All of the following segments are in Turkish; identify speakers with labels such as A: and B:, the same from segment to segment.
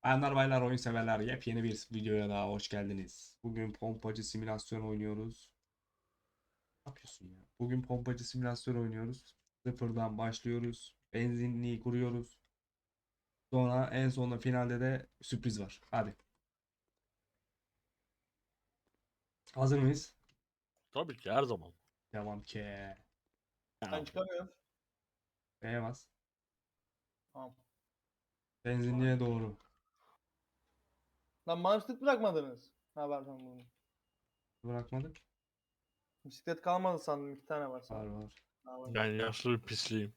A: Bayanlar baylar oyun severler yepyeni bir videoya daha hoş geldiniz. Bugün pompacı simülasyon oynuyoruz. Ne yapıyorsun ya? Bugün pompacı simülasyon oynuyoruz. Sıfırdan başlıyoruz. Benzinliği kuruyoruz. Sonra en sonunda finalde de sürpriz var. Hadi. Hazır mıyız?
B: Tabii ki her zaman.
A: Devam ki.
B: Ya,
C: Ben çıkamıyorum.
A: B'ye bas.
C: Tamam.
A: Benzinliğe doğru.
C: Lan manşet bırakmadınız. Ha var tamam bunu.
A: Bırakmadık.
C: Bisiklet kalmadı sandım. 2 tane var
A: Var
C: sandım.
A: var.
C: Ha, var.
B: ben yaşlı bir pisliyim.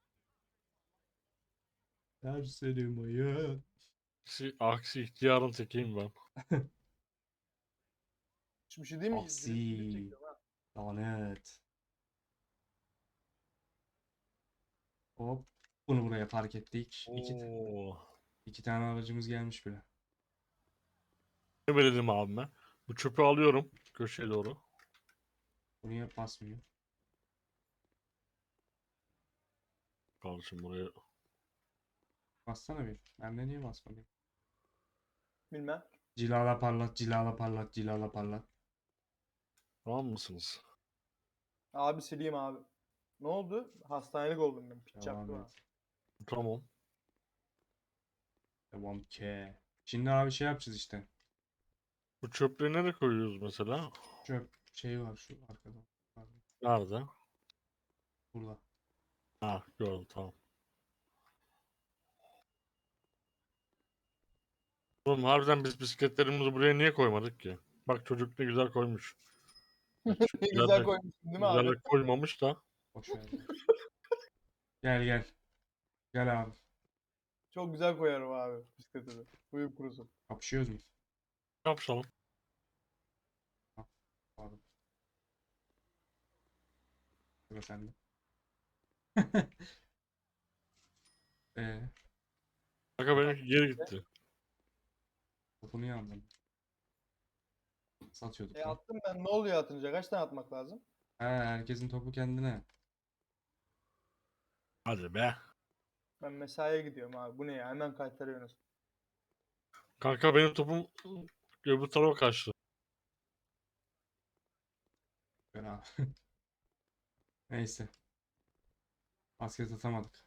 A: Serseri hayat.
B: Aksi ihtiyarın tekiyim ben.
C: Hiçbir şey değil mi? Drift
A: Aksi.
C: çekiyorum ha.
A: Lanet. Hop. Bunu buraya park ettik.
B: Oo.
A: İki tane aracımız gelmiş bile.
B: Ne verelim abime? Bu çöpü alıyorum köşeye doğru.
A: Bu niye basmıyor?
B: Kardeşim buraya.
A: Bassana bir. Bende niye basmadı?
C: Bilmem.
A: Cilala parlat, cilala parlat, cilala parlat.
B: Tamam mısınız?
C: Abi sileyim abi. Ne oldu? Hastanelik oldum ben. Piç
A: Devam
C: yaptı
A: et.
C: bana.
B: Tamam.
A: Devam ke. Şimdi abi şey yapacağız işte.
B: Bu çöpleri nereye koyuyoruz mesela?
A: Çöp şey var şu arkada. Pardon.
B: Nerede?
A: Burada.
B: Ha, gördüm, tamam. Oğlum harbiden biz bisikletlerimizi buraya niye koymadık ki? Bak çocuk ne güzel koymuş. Çok
C: Ne
B: güzel
C: güzel
B: de,
C: koymuşsun değil mi
B: güzel
C: abi?
B: de koymamış da.
A: Boş ver. Gel gel. Gel abi.
C: Çok güzel koyarım abi bisikleti de. Buyur kurusun.
A: Kapışıyoruz mu?
B: Ne yapalım?
A: Ha, pardon. Sıra sende. Eee
B: Kanka benimki geri gitti.
A: topunu yandım. Satıyorduk lan.
C: Attım ben. Ne oluyor atınca? Kaç tane atmak lazım?
A: He, herkesin topu kendine.
B: Hadi be.
C: Ben mesaiye gidiyorum abi. Bu ne ya? Hemen kaytarıyorsunuz.
B: Kanka benim topum öbür tarafa kaçtı.
A: Ben abi. Neyse. Basket atamadık.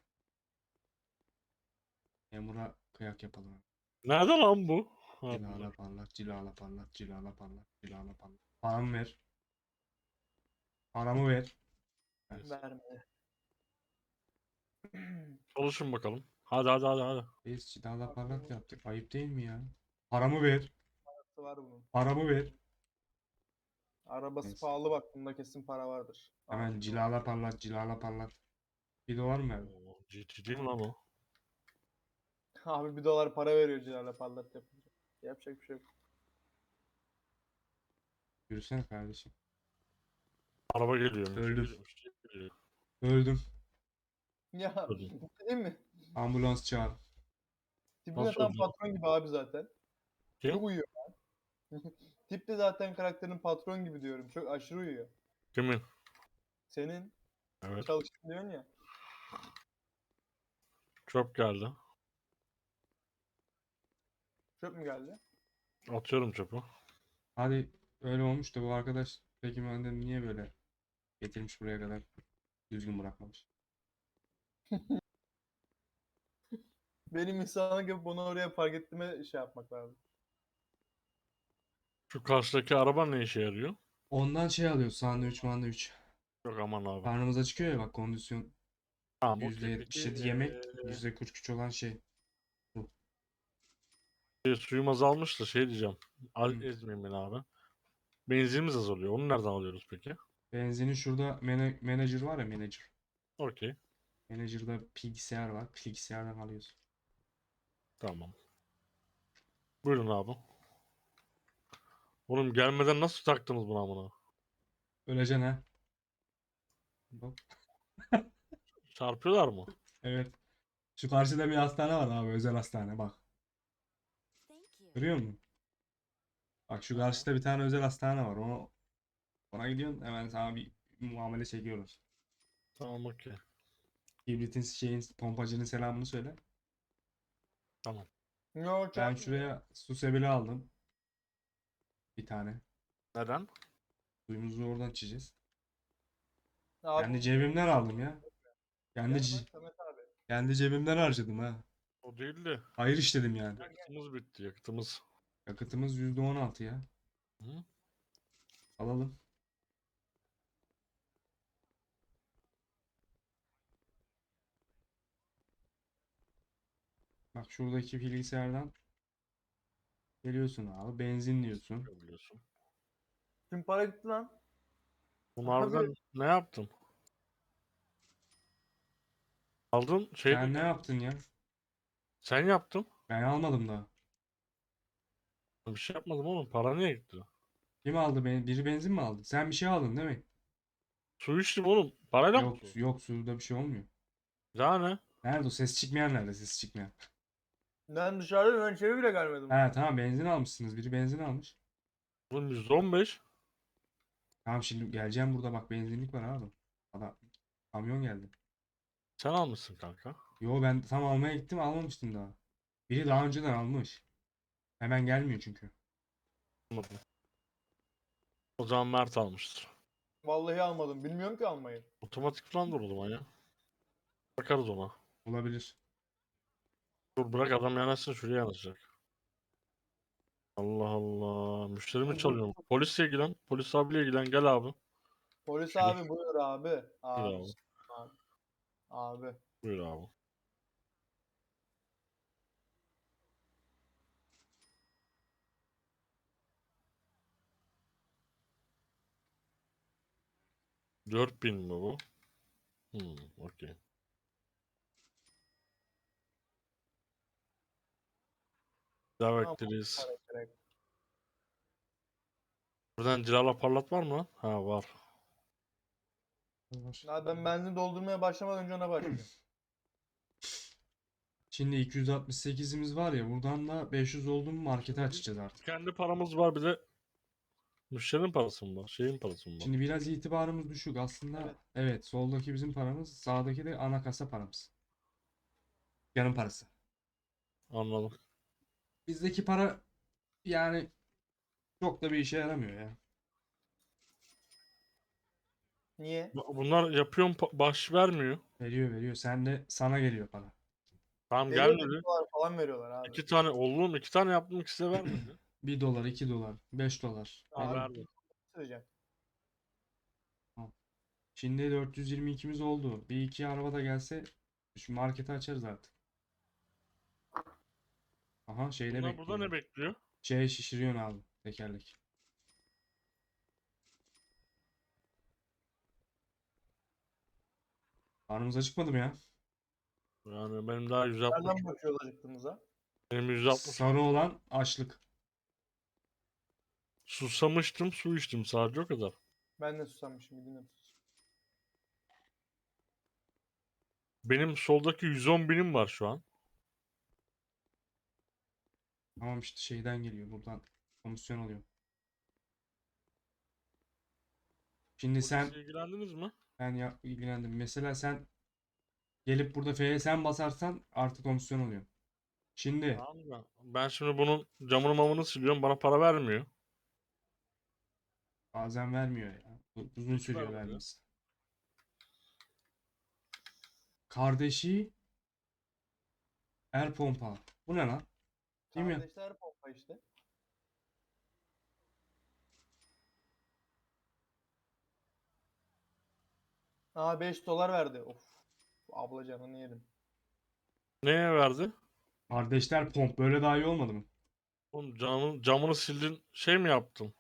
A: Memura kıyak yapalım.
B: Nerede lan bu? Ha, burada.
A: Cilala parlat, cilala parlat, cilala parlat, cilala parlat. Paramı ver. Paramı ver. Ver.
B: Neyse.
C: Verme.
B: Çalışın bakalım. Hadi.
A: Biz cilala parlat yaptık. Ayıp değil mi ya? Paramı ver.
C: Arabası var bunun.
A: Paramı ver.
C: Arabası
A: Neyse.
C: pahalı bak. Bunda kesin para vardır.
A: Hemen
C: Acil dolar.
A: cilala parlat, cilala parlat. $1 mı verdin?
B: Oo, GT değil mi lan o?
C: Abi 1 dolar para veriyor Cilal'e parlat yapınca. Yapacak bir şey yok.
A: Yürüsene kardeşim.
B: Araba geliyor.
A: Öldüm.
B: Geliyor.
A: Öldüm.
C: Ya
B: Öldüm.
C: değil mi?
A: Ambulans çağır.
C: Tipine
B: Nasıl
C: tam
B: öldüm?
C: patron gibi abi zaten.
B: Kim?
C: Çok uyuyor. Tip de zaten karakterin patron gibi diyorum. Çok aşırı uyuyor.
B: Kimin?
C: Senin
B: Evet.
C: çalıştığın diyorsun ya.
B: Çöp geldi.
C: Çöp mü geldi?
B: Atıyorum çöpü.
A: Hadi öyle olmuş da bu arkadaş peki benden niye böyle getirmiş buraya kadar düzgün bırakmamış.
C: Benim insanlık gibi bunu oraya park ettiğime şey yapmak lazım.
B: Şu karşıdaki araba ne işe yarıyor?
A: Ondan şey alıyoruz sandviç mandviç.
B: Yok aman abi.
A: Karnımıza çıkıyor ya bak kondisyon
B: Tamam okey. Peki
A: %77 yemek %43 olan şey. Bu.
B: suyum azalmış da şey diyeceğim.
A: Hı.
B: Ezmeyin beni abi. Benzinimiz azalıyor. Onu nereden alıyoruz peki?
A: Benzinin şurada manager var ya manager.
B: Okey.
A: Manager'da bilgisayar var. Bilgisayardan alıyoruz.
B: Tamam. Buyurun abi. Oğlum gelmeden nasıl taktınız buna bunu?
A: Öleceksin ha. Hop.
B: Çarpıyorlar mı?
A: Evet. Şu karşıda bir hastane var abi özel hastane bak. Görüyor musun? Bak şu
C: Ha.
A: karşıda bir tane özel hastane var. Ona gidiyorsun hemen sana bir muamele çekiyorlar.
B: Tamam okey.
A: Kibritin şeyin pompacının selamını söyle.
B: Tamam.
C: Yo
A: Ben
C: çarpmıyor.
A: şuraya su sebili aldım. Bir tane.
B: Neden?
A: Suyumuzu oradan içeceğiz.
C: Abi
A: Kendi cebimden aldım ya. Kendi,
C: gel bak
A: ce-
C: Samet abi.
A: kendi cebimden harcadım ha.
B: O değil de
A: Hayır işledim yani.
B: yakıtımız bitti yakıtımız.
A: Yakıtımız %16 ya.
B: Hı?
A: Alalım. Bak şuradaki bilgisayardan geliyorsun abi. Benzin diyorsun.
B: Biliyorsun.
C: Tüm para gitti lan.
B: Bunlardan
C: Abi
B: ne yaptın? Aldın şey
A: Sen ne yaptın ya?
B: sen yaptın.
A: Ben almadım da.
B: Bir şey yapmadım oğlum. Para niye gitti?
A: Kim aldı beni? Biri benzin mi aldı? Sen bir şey aldın değil mi?
B: Su içtim oğlum. Parayla mı
A: Yok
B: su?
A: yok suda bir şey olmuyor.
B: Daha ne?
A: Nerede o ses çıkmayan nerede ses çıkmayan?
C: ben dışarıda ben içeri bile gelmedim.
A: He tamam benzin almışsınız. Biri benzin almış.
B: Oğlum %15.
A: Tamam şimdi geleceğim burada bak benzinlik var abi. Adam, kamyon geldi.
B: Sen almışsın kanka.
A: Yo ben tam almaya gittim almamıştım daha. Biri daha önceden almış. Hemen gelmiyor çünkü.
B: Anladım. O zaman Mert almıştır.
C: Vallahi almadım. Bilmiyorum ki almayı.
B: Otomatik falan dur o zaman ya. Bakarız ona.
A: Olabilir.
B: Dur bırak adam yanaşsın şuraya yanaşacak. Allah Allah. Müşteri mi
C: Dur, dur.
B: çalıyor? Polisle ilgilen. Polis abiyle ilgilen. Gel abi.
C: Polis
B: Şöyle.
C: abi buyur abi.
B: Buyur
C: Abi.
B: abi.
C: Abi. Abi.
B: Buyur abi. Dört bin mi bu? Okey. Daha
C: Tamam,
B: bekleriz.
C: para gerek.
B: Buradan cilala parlat var mı lan? Ha var.
A: Var.
C: Abi ben benzin doldurmaya başlamadan önce ona başlayacağım.
A: Şimdi 268'imiz var ya buradan da 500 oldu mu markete açacağız artık.
B: Kendi paramız var bir de müşterinin parası mı var? Şeyin parası mı var?
A: Şimdi biraz itibarımız düşük aslında.
C: Evet.
A: Evet, soldaki bizim paramız, sağdaki de ana kasa paramız. Yanın parası.
B: Anladım.
A: Bizdeki para yani çok da bir işe yaramıyor ya.
C: Niye?
B: Bunlar yapıyorum baş vermiyor.
A: Veriyor veriyor. Sen de sana geliyor para.
B: Tamam
C: Veriyor da
B: gelmedi.
C: $1 falan veriyorlar abi.
B: İki tane oğlum iki tane yaptım ikisi de vermedi.
A: 1 dolar, 2 dolar, 5 dolar.
B: Ha
A: Veriyor.
B: verdi.
C: Söyleyeceğim.
A: Tamam. Şimdi 422'miz oldu. Bir iki araba da gelse şu marketi açarız artık. Aha şeyde
B: Bunlar burada
A: bekliyor.
B: ne bekliyor?
A: Şey şişiriyorsun abi tekerlek. Karnımız acıkmadı mı ya?
B: Yani benim daha 160.
C: Nereden bakıyoruz acıktığımıza?
B: Benim 160.
A: Sarı olan açlık.
B: Susamıştım su içtim sadece o kadar.
C: Ben de susamışım. Gidin de sus.
B: Benim soldaki 110 binim var şu an.
A: Tamam işte şeyden geliyor. Buradan komisyon alıyor. Şimdi sen
B: Polisle ilgilendiniz mi?
A: ben ya ilgilendim. Mesela sen gelip burada F'ye sen basarsan artı komisyon oluyor. Şimdi
B: Tamam da ben şimdi bunun camını mamını siliyorum bana para vermiyor.
A: bazen vermiyor ya. Uzun
B: Hiç
A: sürüyor
B: vermedi.
A: vermesi. Kardeşi el pompa. Bu ne lan? Değil mi?
C: Kardeşler pompa işte. Aa $5 verdi. Of. Abla canını yedim.
B: Neye verdi?
A: Kardeşler pomp. Böyle daha iyi olmadı mı?
B: Oğlum camını sildin şey mi yaptın?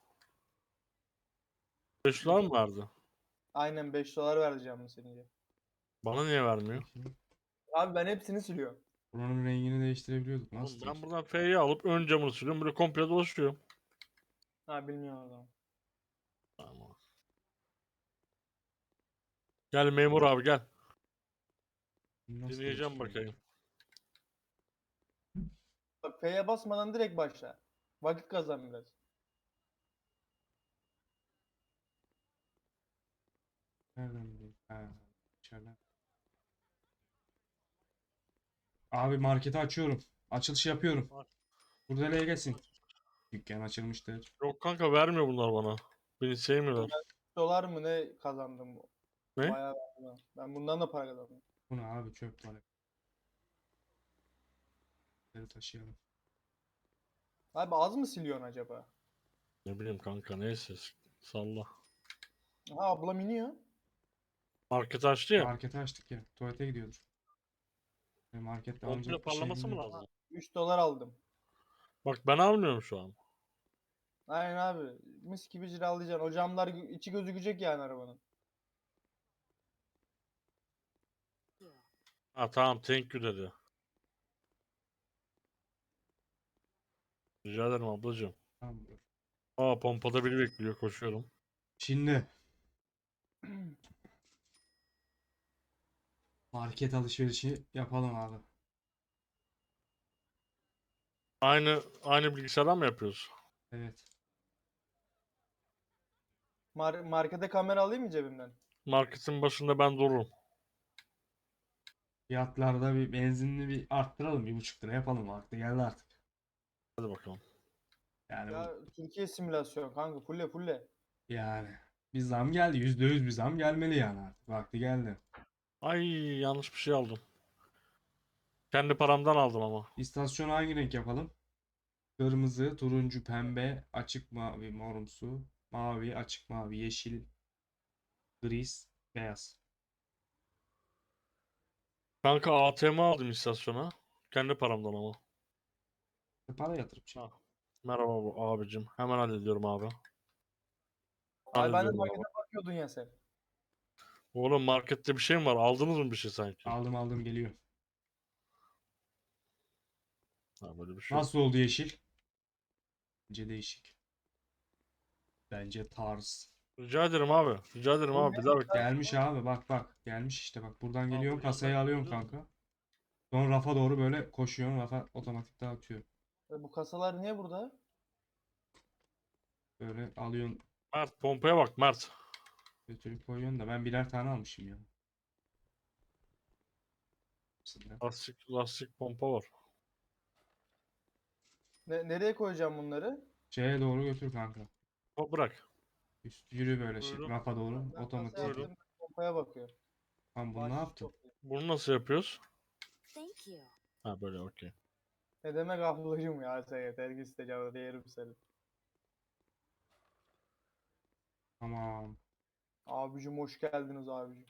B: 5 dolar mı verdi?
C: Aynen $5 verdi canını senince.
B: Bana niye vermiyor?
A: Bakayım.
C: Abi ben hepsini siliyorum.
A: Buranın rengini değiştirebiliyorduk. Nasıl
B: Oğlum ben
A: değiştir?
B: buradan F'yi alıp ön camını siliyorum böyle komple dolaşıyorum.
C: Ha bilmiyorum o zaman.
B: Tamam. Gel memur abi gel.
A: Nasıl
B: Dinleyeceğim
A: değiştiriyor?
B: bakayım.
C: Bak F'ye basmadan direkt başla. Vakit kazan biraz.
A: Nereden bileyim? Ha, içeriden. Abi marketi açıyorum. Açılış yapıyorum.
B: Var.
A: Kurdele'ye gelsin. Dükkan açılmıştır.
B: Yok kanka vermiyor bunlar bana. Beni sevmiyorlar.
C: Dolar mı ne kazandım?
B: Ne?
C: Bayağı verdim. Ben bundan da para kazandım.
A: Bu ne abi, çöp var. Bunları taşıyalım.
C: Abi az mı siliyorsun acaba?
B: Ne bileyim kanka neyse. Salla.
C: Ha ablam iniyor.
B: Market açtı ya.
A: Marketi açtık ya. Tuvalete gidiyordur. Markette
B: Komple
A: alınacak bir şey
B: parlaması mı
A: bilmiyorum.
B: lazım?
C: 3 dolar aldım.
B: Bak ben almıyorum şu an.
C: Aynen abi. Mis gibi ciralayacaksın. O camlar içi gözükecek yani arabanın.
B: Ha tamam thank you dedi. Rica ederim ablacığım.
A: Tamamdır.
B: Aa pompada biri bekliyor koşuyorum.
A: Şimdi market alışverişi yapalım abi.
B: Aynı bilgisayardan mı yapıyoruz?
A: Evet.
C: Markete kamera alayım mı cebimden?
B: Marketin başında ben dururum.
A: Fiyatlarda bir benzinli bir arttıralım. 1,5 lira yapalım. Vakti geldi artık.
B: Hadi bakalım.
A: Yani
C: Ya Türkiye simülasyon kanka fulle.
A: yani bir zam geldi. %100 bir zam gelmeli yani artık. Vakti geldi.
B: Ay yanlış bir şey aldım. Kendi paramdan aldım ama.
A: İstasyonu hangi renk yapalım? Kırmızı, turuncu, pembe, açık mavi, morumsu, mavi, açık mavi, yeşil, gris, beyaz.
B: Kanka ATM aldım istasyona. Kendi paramdan ama.
A: Para yatırıp şey.
B: Ha. Merhaba abicim. Hemen hallediyorum abi.
C: Abi ben de
B: Hallediyorum abi.
C: markete bakıyordun ya sen.
B: Oğlum markette bir şey mi var? Aldınız mı bir şey sanki?
A: Aldım geliyor.
B: Ha böyle bir şey yok.
A: Nasıl oldu yeşil? Bence değişik. Bence tarz.
B: Rica ederim abi. Rica ederim
C: Bu
B: abi.
C: ne?
B: Bir daha bekle.
A: Gelmiş abi, bak. Gelmiş işte, bak buradan
B: Abi
A: geliyorsun,
B: bu
A: kasayı
B: yandan
A: alıyorsun
B: görüyoruz mu?
A: kanka. Sonra rafa doğru böyle koşuyorsun, rafa otomatik dağıtıyor.
C: Bu kasalar niye burada?
A: Böyle alıyorsun,
B: Mert pompaya bak Mert.
A: götürüp koyuyorsun da ben birer tane almışım ya. Hepsinden.
B: Lastik pompa var.
C: Nereye koyacağım bunları?
A: Şeye doğru götür kanka.
B: Bırak.
A: Üst yürü böyle şey
B: Buyurun.
A: rafa doğru
C: Ben kasa
A: otomatik.
B: Buyurun.
C: yaptım. Pompaya bakıyor.
A: Lan bunu ne
C: Bahşiş
A: yaptın?
C: topluyor.
B: Bunu nasıl yapıyoruz?
D: Thank you.
B: Ha böyle okey.
C: Ne demek ablacım ya sen yeter ki isteyeceğim yerim seni.
A: Tamam.
C: Abicim hoş geldiniz abicim.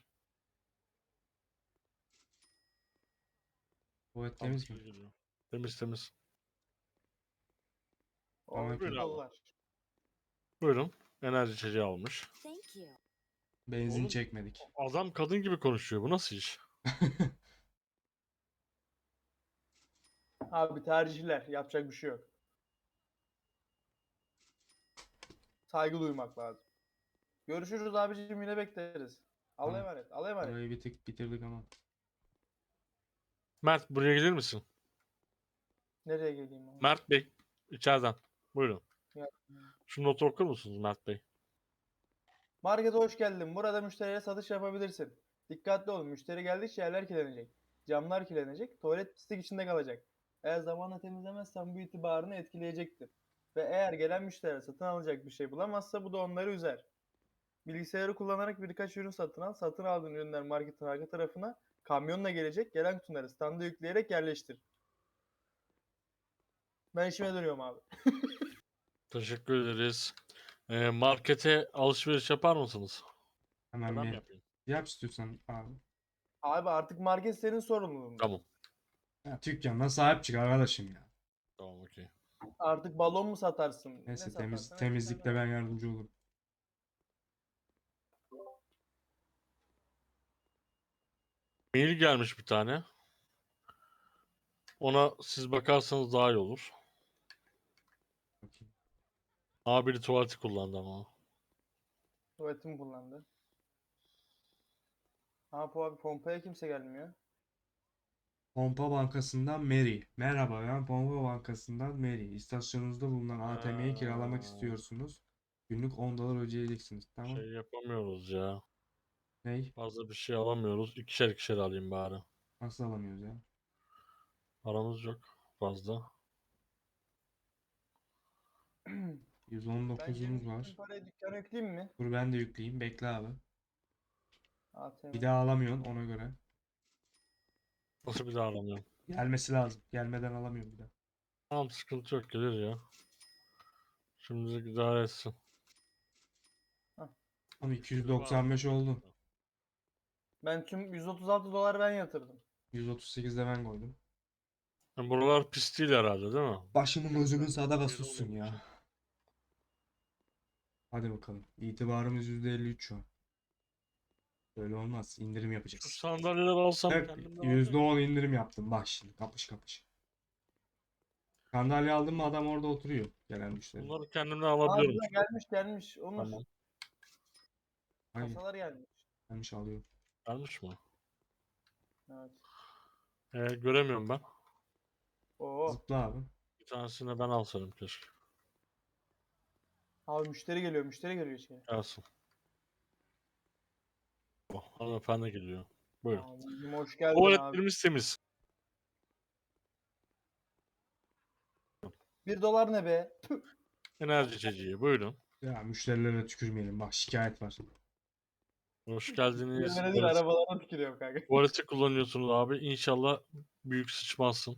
A: Tuvalet
B: Tamam,
A: temiz mi?
B: şey geliyor. Temiz temiz.
A: Tamam,
C: O 3
B: buyur abi.
C: dolar.
B: Buyurun. Enerji içeceği almış.
D: Thank you.
A: Benzin
B: Oğlum
A: çekmedik.
B: adam kadın gibi konuşuyor. Bu nasıl iş?
C: Abi tercihler yapacak bir şey yok. Saygı duymak lazım. Görüşürüz abicim yine bekleriz. Allah'a
A: Tamam.
C: emanet. Allah'a emanet.
A: Burayı bir tık bitirdik ama.
B: Mert buraya gelir misin?
C: Nereye geleyim abi?
B: Mert Bey içeriden. Buyurun.
C: Ya.
B: Şu notu okur musunuz Mert Bey?
C: Markete hoş geldin. Burada müşterilere satış yapabilirsin. Dikkatli olun. Müşteri geldikçe yerler kirlenecek. Camlar kirlenecek. Tuvalet pislik içinde kalacak. Eğer zamanla temizlemezsen bu itibarını etkileyecektir. Ve eğer gelen müşteriler satın alacak bir şey bulamazsa bu da onları üzer. Bilgisayarı kullanarak birkaç ürün satın al. Satın aldığın ürünler marketin arka tarafına kamyonla gelecek. Gelen kutuları standa yükleyerek yerleştir. Ben işime dönüyorum abi.
B: Teşekkür ederiz. Markete alışveriş yapar mısınız?
A: Hemen
B: Ben mi
A: bir
B: yapayım?
A: yap istiyorsan abi.
C: Abi artık market senin sorumluluğunda.
B: Tamam.
A: Ya, dükkanına sahip çık arkadaşım ya.
B: Tamam okey.
C: Artık balon mu satarsın? Ne
A: Neyse
C: satarsan
A: temizlikte ben yardımcı olurum.
B: Mail gelmiş bir tane. Ona siz bakarsanız daha iyi olur.
A: Bakayım.
B: Biri tuvaleti kullandı ama.
C: Tuvaletimi kullandı. Ha bu abi pompaya kimse gelmiyor.
A: Pompa Bankası'ndan Mary. Merhaba, ben Pompa Bankası'ndan Mary. İstasyonunuzda bulunan ATM'yi kiralamak istiyorsunuz. Günlük 10 dolar ödeyeceksiniz. Tamam.
B: Şey yapamıyoruz ya.
A: Ney?
B: Fazla bir şey alamıyoruz. İkişer ikişer alayım bari.
A: Nasıl alamıyoruz ya?
B: Paramız yok. fazla.
C: Ben
A: 119'umuz
C: 20
A: var.
C: parayı dükkana yükleyeyim mi?
A: Dur ben de yükleyeyim. Bekle abi.
C: ATM.
A: Bir daha alamıyorsun ona göre.
B: Nasıl bir daha aramıyorum.
A: Gelmesi lazım. Gelmeden alamıyorum bir daha.
B: Tamam, sıkıntı yok, gelir ya. Şimdilik idare etsin.
A: Ama
B: Müşteri var mı?
A: 295 oldu.
C: Ben tüm 136 dolar ben yatırdım.
A: 138'de ben koydum.
B: Yani buralar pis değil herhalde, değil mi?
A: Başımın gözümün sadaka
B: Şeyde
A: sussun
B: olduğum için.
A: ya. Hadi bakalım. İtibarımız %53 şu an. Böyle olmaz. İndirim
B: Şu
A: yapacağız.
B: sandalyeleri alsam
A: Evet,
B: kendimde var ya.
A: %10 indirim yaptım. Bak şimdi kapış kapış. Sandalye aldım mı adam orada oturuyor. Gelen müşteri.
B: Bunları kendimden
C: Aa
B: alabiliyorum.
C: güzel, gelmiş Onur.
B: Tamam.
A: Hangi?
C: Kasalar gelmiş.
A: Gelmiş alıyor.
B: Gelmiş mi?
C: Evet.
B: Göremiyorum ben.
C: Oo.
A: Zıpla abi.
B: Bir tanesini ben alsaydım keşke.
C: Abi müşteri geliyor içeri.
B: Gelsin. Oh, hanımefendi geliyor. Buyurun.
C: Abicim hoş geldin abi.
B: Tuvaletlerimiz temiz.
C: 1 dolar ne be?
B: Enerji içeceği. Buyurun.
A: Ya müşterilere tükürmeyelim. Bak şikayet var.
B: Hoş geldiniz.
C: Yerlere değil arabalara tükürüyorum kanka.
B: Tuvaleti kullanıyorsunuz abi. İnşallah büyük sıçmazsın.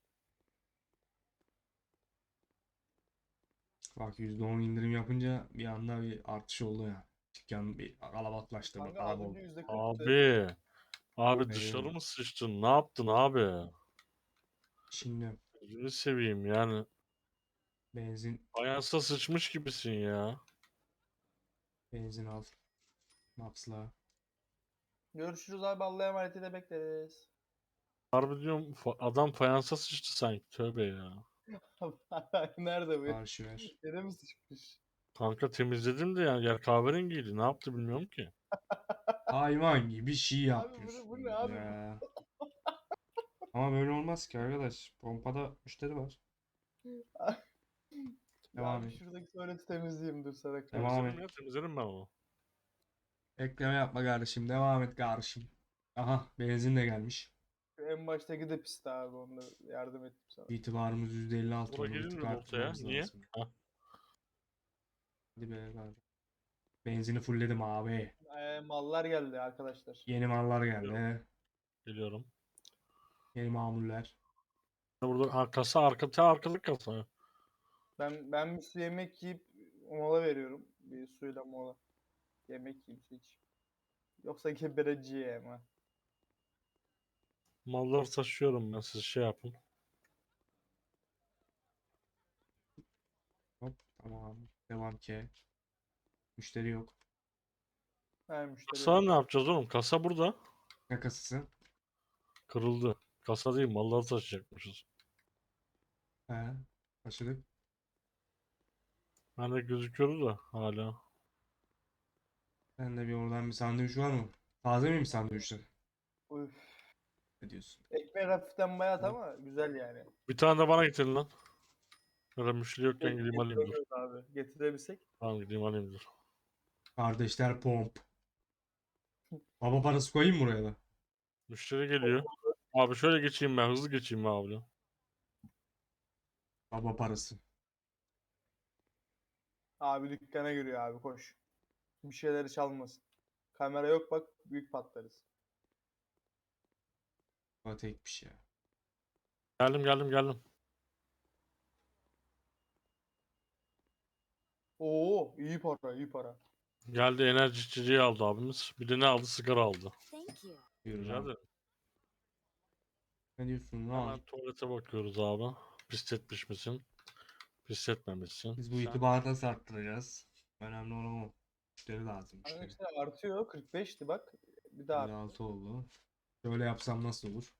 A: Bak %10 indirim yapınca bir anda bir artış oldu ya. Dükkan bir kalabalıklaştı. Bak
C: Kanka az
A: araba
C: önce
A: oldu.
C: %40'tı.
B: Abi. Abi
A: Eyvallah.
B: dışarı mı sıçtın? Ne yaptın abi?
A: Şimdi
B: Gözünü seveyim yani.
A: benzin
B: Fayansa sıçmış gibisin ya.
A: benzin al. Maps'la.
C: Görüşürüz abi, Allah'a emanet de bekleriz.
B: Harbi diyorum, adam fayansa sıçtı sanki. Tövbe ya.
C: Nerede bu?
A: Karşı ver.
C: Yere mi sıçmış?
B: Kanka temizledim de yani yer kahverengiydi. Ne yaptı bilmiyorum ki.
A: Hayvan gibi şey
C: Abi bu ne
A: yapıyorsunuz
C: abi?
A: ya. Ama böyle olmaz ki arkadaş. Pompada müşteri var.
C: Ya
A: Devam
C: abi
A: et.
C: şuradaki tuvaleti temizleyeyim dur sana karşı.
A: Devam
B: Temizledim
A: et.
B: ya, temizledim ben onu.
A: Ekleme yapma kardeşim. Devam et kardeşim. Aha benzin de gelmiş.
C: Şu en baştaki de pisti abi, onda yardım ettim sana.
A: İtibarımız %56
B: Bura
A: onu bir tık
B: girilmedi ortaya.
A: arttırmamız
B: Niye?
A: lazım.
B: Ha.
A: Hadi be kardeşim. Benzini fullledim abi.
C: Mallar geldi arkadaşlar.
A: Yeni mallar
B: Geliyorum.
A: geldi.
B: Geliyorum.
A: Yeni mamuller.
B: Burada kasa arkalık kasa.
C: Ben bir su yemek yiyip mola veriyorum. Bir suyla mola. Yemek yiyeyim, su içeyim. Yoksa gebereceğim ha.
B: Malları taşıyorum ben, siz şey yapın.
A: Hop tamam. Devam ki. Müşteri yok.
C: Ha müşteri
B: Kasa
C: yok.
B: ne yapacağız oğlum? Kasa burada.
A: Ne kasası?
B: Kırıldı. Kasa değil, malları taşıyacakmışız.
A: He. Başladık.
B: Ben de gözüküyordu da hala.
A: Ben de bir oradan bir sandviç var mı? Taze miyim sandviçler?
C: Üf.
A: Ne diyorsun?
C: Ekmek hafiften bayat
A: Hop.
C: ama güzel yani.
B: Bir tane de bana getirin lan. Ya da müşteri yokken
C: Şey,
B: gideyim alayım, dur.
C: getiremiyoruz abi. Getirebilsek.
B: Tamam, gideyim alayım, dur.
A: Kardeşler pomp. Baba parası koyayım mı buraya da?
B: Müşteri geliyor. Abi şöyle geçeyim ben, hızlı geçeyim ben abi.
A: Baba parası.
C: Abi dükkana giriyor abi, koş. Bir şeyleri çalmasın. Kamera yok bak, büyük patlarız.
A: Bu tekmiş ya.
B: Geldim.
C: Oo iyi para, iyi para.
B: Geldi, enerji içeceği aldı abimiz. Bir de ne aldı? Sigara aldı.
D: Thank you.
A: Yürü
B: Rica
A: lan.
B: ederim.
A: Ne diyorsun
B: Hemen
A: lan?
B: tuvalete bakıyoruz abi. Pisletmiş misin? Pisletmemişsin.
A: Biz bu
B: Sen
A: itibarı nasıl arttıracağız? Önemli olan o. Müşteri lazım müşteri.
C: Arkadaşlar artıyor, 45'ti bak. Bir daha arttı.
A: 56 oldu. Şöyle yapsam nasıl olur?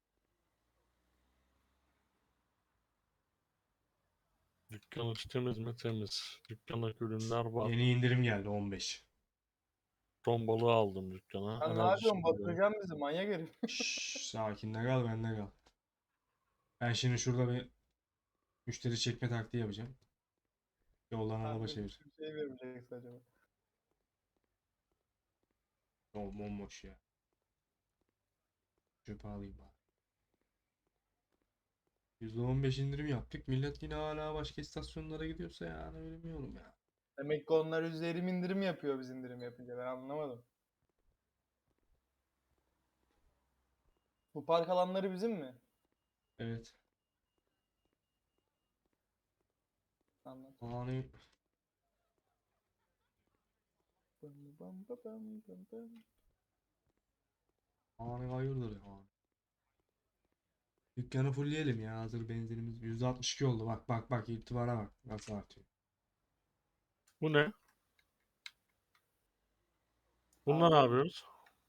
B: dükkan içi temiz mi? Temiz. Dükkandaki ürünler var.
A: Yeni indirim geldi 15.
B: Ton balığı aldım dükkana.
C: Sen ne
B: Enerji
C: yapıyorsun?
B: içeceği.
C: Batıracaksın bizi manyak herif.
A: Şşş, sakin de kal bende kal. Ben şimdi şurada bir müşteri çekme taktiği yapacağım. Yoldan araba
C: Tahmin
A: çevir.
C: bir şey vermeyeceksin acaba.
A: Bomboş ya. Çöpe alayım bari. %15 indirim yaptık. Millet yine hala başka istasyonlara gidiyorsa yani bilmiyorum ya.
C: Demek ki onlar %20 indirim yapıyor biz indirim yapınca. Ben anlamadım. Bu park alanları bizim mi?
A: Evet.
C: Anladım.
A: Hani
C: Bam bam ba bam bam bam.
A: hayırdır ya. Dükkanı fullleyelim ya, hazır benzinimiz %62 oldu. Bak bak bak, itibara bak nasıl artıyor.
B: Bu ne? Bununla ne
C: Abi,
B: yapıyoruz?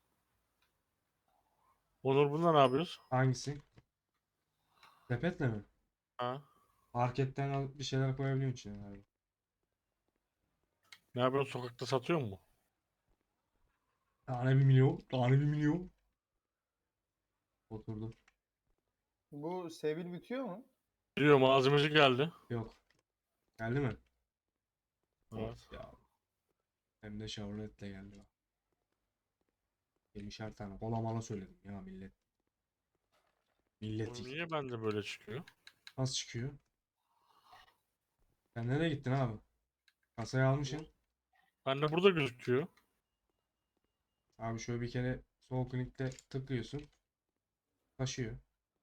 B: Onur bununla ne yapıyoruz?
A: Hangisi? Sepetle mi?
B: Ha?
A: Marketten alıp bir şeyler koyabiliyorsun içine abi.
B: Ne yapıyorsun? Sokakta satıyor mu?
A: Tane 1 milyon. Tane 1 milyon. Oturdum.
C: bu Sevil bitiyor mu?
B: Biliyor malzemeci geldi.
A: Yok. Geldi mi? Of
B: Evet.
A: ya. Hem de Chevrolet'le geldi bak. 20'şer tane. Kola mala söyledim ya millet. Millet
B: Bu
A: yıktı.
B: niye bende böyle çıkıyor?
A: Nasıl çıkıyor? Sen nereye gittin abi? Kasayı almışsın.
B: Bende burada gözüküyor.
A: Abi şöyle bir kere sol klikle tıklıyorsun. Taşıyor.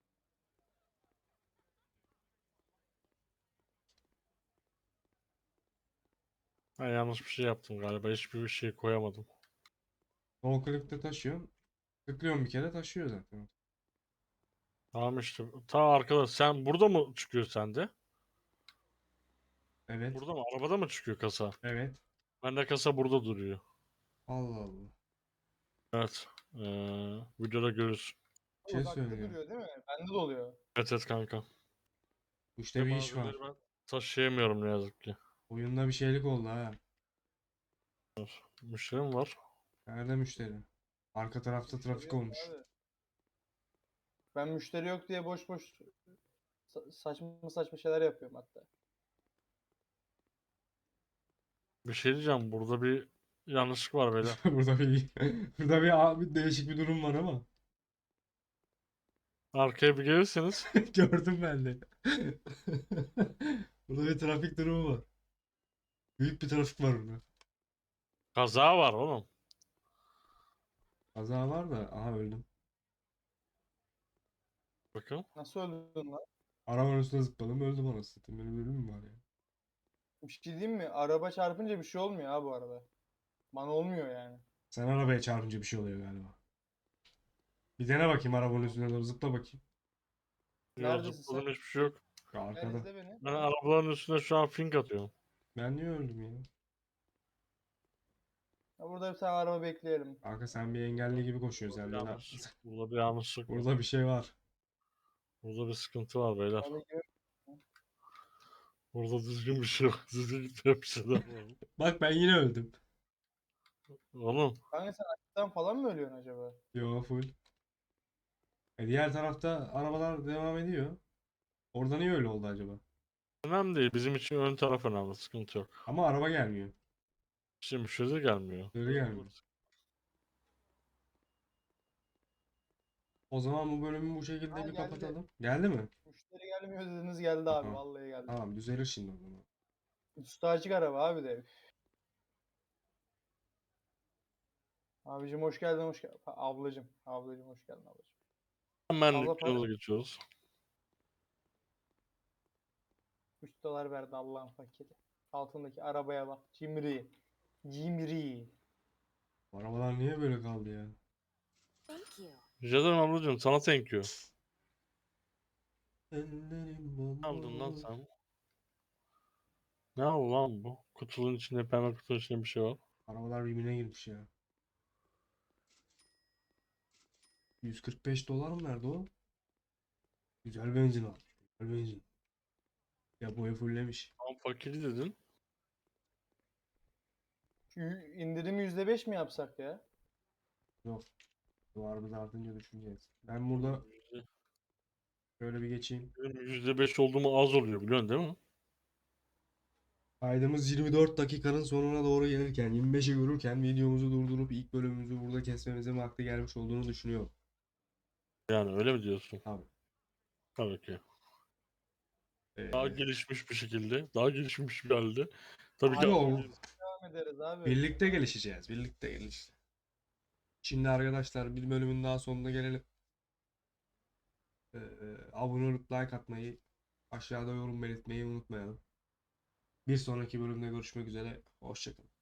B: Ben yanlış bir şey yaptım galiba. Hiçbir şey koyamadım.
A: Sol klikle taşıyorsun. Tıklıyorsun bir kere, taşıyor zaten.
B: Tamam işte. Ta arkadaş sen burada mı çıkıyor sende?
A: Evet.
B: Burada mı? Arabada mı çıkıyor kasa?
A: Evet.
B: Bende kasa burada duruyor.
A: Allah Allah.
B: Evet. Videoda görürsün.
A: Bir şey
C: Uzakta
A: söyleyeceğim.
C: duruyor değil mi? Bende de oluyor.
B: Evet evet kanka.
A: Bu
B: Ve
A: işte bir iş
B: malzemeleri
A: var.
B: ben taşıyamıyorum ne yazık ki.
A: Oyunda bir şeylik oldu ha.
B: Müşterim var.
A: Nerede müşteri? Arka tarafta
C: Müşteri
A: trafik
C: yok
A: olmuş.
C: abi. Ben müşteri yok diye boş boş saçma saçma şeyler yapıyorum hatta.
B: Bir şey diyeceğim. Burada bir yanlışlık var beyler.
A: Burada bir değişik bir durum var ama.
B: Arkaya bir gelirseniz
A: Gördüm ben de. Burada bir trafik durumu var. Büyük bir trafik var burada.
B: kaza var oğlum.
A: Kaza var da aha öldüm.
B: Bakın.
C: Nasıl öldün lan?
A: Arabanın üstüne zıpladım, öldüm anasını satayım. Benim ölüm mü var ya?
C: Bir şey diyeyim mi? Araba çarpınca bir şey olmuyor ha bu arada. Bana olmuyor yani.
A: Sen arabaya çarpınca bir şey oluyor galiba. Bir dene bakayım, arabanın üstüne doğru zıpla bakayım.
B: Yok
C: Neredesin sen?
B: zıpladım hiçbir şey yok.
A: Şu
C: Gel
A: arkada.
C: izle beni.
B: Ben arabaların üstüne şu an fink atıyorum.
A: Ben niye öldüm ya?
C: Ya burada bir tane araba bekleyelim.
A: Kanka sen bir engelli gibi koşuyorsun
B: Burada
A: sen
B: bir
A: de.
B: yanlış. Burada bir yanlışlık var.
A: Burada bir şey var.
B: Burada bir sıkıntı var beyler.
C: Araba gibi.
B: Burada düzgün bir şey yok. Düzgün gitmeyen bir şeyler var.
A: Bak ben yine öldüm.
B: Oğlum
C: Kanka sen açıktan falan mı ölüyorsun acaba?
A: Yo, full. Diğer tarafta arabalar devam ediyor. Orada niye öyle oldu acaba?
B: önemli değil. Bizim için ön taraf önemli. Sıkıntı yok.
A: Ama araba gelmiyor.
B: Şimdi müşteri gelmiyor.
A: Öyle gelmiyor. O zaman bu bölümü bu şekilde
C: Ha
A: bir
C: geldi.
A: kapatalım. Geldi mi?
C: Müşteri gelmiyor dediniz geldi abi.
A: Aha.
C: Vallahi geldi.
A: Tamam, düzelir şimdi o zaman.
C: Üstü açık araba abi de. Abicim hoş geldin hoş geldin. Ablacım. Ablacım hoş geldin ablacım.
B: Hemen
C: Abla para
B: yola geçiyoruz.
C: 3 dolar verdi Allah'ın fakiri. Altındaki arabaya bak. Cimri. Cimri.
A: Bu arabalar niye böyle kaldı ya?
D: Thank you.
B: Rica ederim ablacığım. Sana thank you.
A: Ellerim
B: Ne aldın lan
A: bomboş.
B: sen? Ne oldu lan bu? Kutunun içinde, pembe kutunun içinde bir şey var.
A: Arabalar birbirine girmiş ya. 145 dolar mı verdi o? Güzel benzin almış. Güzel benzin. Ya boya fulllemiş.
B: Tam fakiri dedin.
C: Şu indirimi %5 mi yapsak ya?
A: Yok. Duvarımız artınca düşüneceğiz. Ben burada şöyle bir geçeyim.
B: Benim %5 olduğumu az oluyor biliyorsun değil mi?
A: Kaydımız 24 dakikanın sonuna doğru gelirken, 25'i görürken videomuzu durdurup ilk bölümümüzü burada kesmemizin vakti gelmiş olduğunu düşünüyorum.
B: Yani öyle mi diyorsun?
A: Tabii.
B: Tabii ki. Daha gelişmiş bir şekilde, daha gelişmiş bir halde. Tabii ki
A: Abi
C: Devam ederiz abi.
A: birlikte gelişeceğiz. Birlikte gelişeceğiz. Şimdi arkadaşlar bir bölümün daha sonuna gelelim. Ee, Abone olup like atmayı, aşağıda yorum belirtmeyi unutmayalım. Bir sonraki bölümde görüşmek üzere. Hoşçakalın.